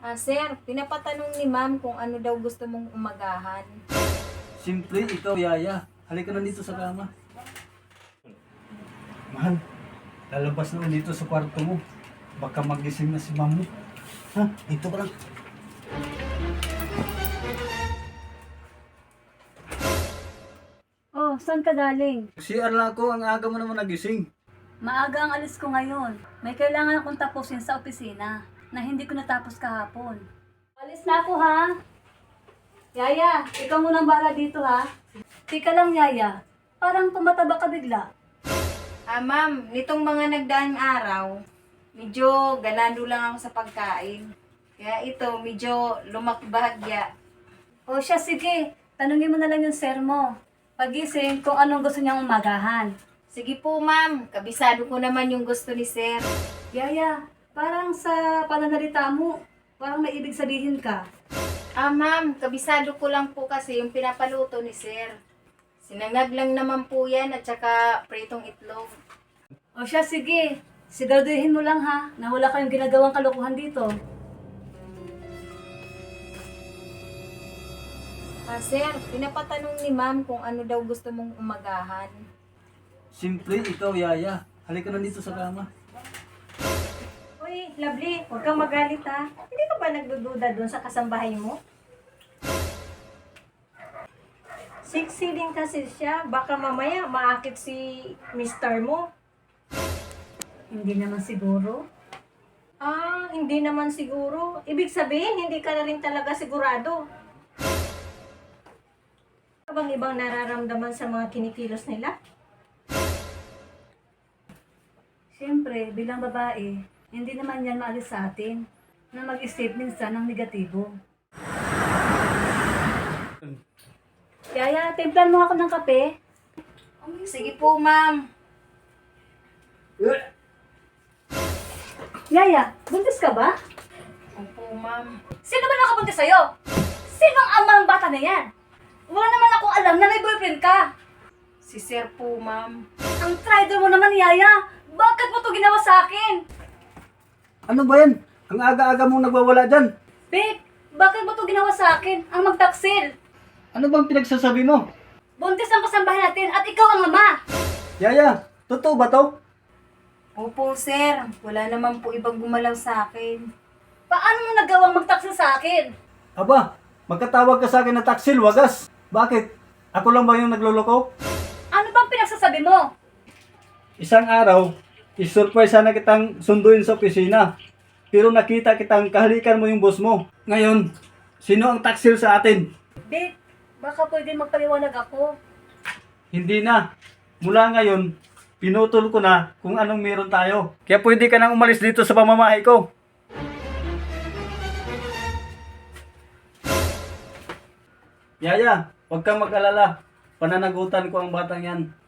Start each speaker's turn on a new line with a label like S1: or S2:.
S1: Sir, pinapatanong ni ma'am kung ano daw gusto mong umagahan.
S2: Simple, ikaw, Yaya. Halika na dito sa kama. Mahal, lalabas na dito sa kwarto mo. Baka magising na si ma'am mo. Ha? Dito ka lang.
S3: Oh, saan ka galing?
S2: CR lang ako, ang aga mo naman nagising.
S3: Maaga ang alis ko ngayon. May kailangan akong tapusin sa opisina na hindi ko natapos kahapon. Alis na ako ha. Yaya, ikaw munang bahala dito ha. Tika lang Yaya, parang tumataba ka bigla.
S1: Ma'am, nitong mga nagdaang araw, medyo ganado lang ako sa pagkain. Kaya ito, medyo lumakbahagya.
S3: O siya sige, tanungin mo na lang yung sir mo. Pagising kung anong gusto niyang umagahan.
S1: Sige po ma'am, kabisado ko naman yung gusto ni sir.
S3: Yaya, parang sa pananalita mo, parang may ibig sabihin ka.
S1: Ma'am, kabisado ko lang po kasi yung pinapaluto ni sir. Sinangag lang naman po yan at saka pritong itlog.
S3: O siya sige, siguraduhin mo lang ha, na wala kayong ginagawang kalokohan dito.
S1: Sir, pinapatanong ni ma'am kung ano daw gusto mong umagahan.
S2: Simple, ikaw, Yaya. Halika na dito sa kama.
S4: Uy, Lovely, huwag kang magalit ha. Hindi ka ba nagdududa doon sa kasambahay mo? Sexy din kasi siya. Baka mamaya maakit si Mr. mo.
S3: Hindi naman siguro.
S4: Hindi naman siguro. Ibig sabihin, hindi ka na rin talaga sigurado. Ano bang ibang nararamdaman sa mga kinikilos nila?
S3: Siyempre, bilang babae, hindi naman yan maalis sa atin na mag-isip minsan ng negatibo. Yaya, timplan mo ako ng kape.
S1: Sige po ma'am.
S3: Yaya, buntis ka ba?
S1: Opo ma'am.
S3: Sino ba nakabuntis sa'yo? Sino ang ama ng bata na yan? Wala naman akong alam na may boyfriend ka.
S1: Si sir po ma'am.
S3: Ang traitor mo naman, Yaya. Bakit mo to ginawa sa akin?
S2: Ano ba yan? Ang aga-aga mong nagwawala dyan.
S3: Babe, bakit mo to ginawa sa akin? Ang magtaksil.
S2: Ano bang pinagsasabi mo?
S3: Buntis ang kasambahay natin at ikaw ang ama.
S2: Yaya, totoo ba to?
S1: Opo sir, wala naman po ibang gumalaw sa akin.
S3: Paano mo nagawang magtaksil sa akin?
S2: Aba, magkatawag ka sa akin na taksil, wagas. Bakit? Ako lang ba yung nagloloko?
S3: Ano bang pinagsasabi mo?
S2: Isang araw, isurprise sana kitang sunduin sa opisina. Pero nakita kitang kahalikan mo yung boss mo. Ngayon, sino ang taksil sa atin?
S3: Babe, baka pwede magpaliwanag ako.
S2: Hindi na. Mula ngayon, pinutol ko na kung anong meron tayo. Kaya pwede ka nang umalis dito sa pamamahay ko. Yaya, huwag kang mag-alala. Pananagutan ko ang batang yan.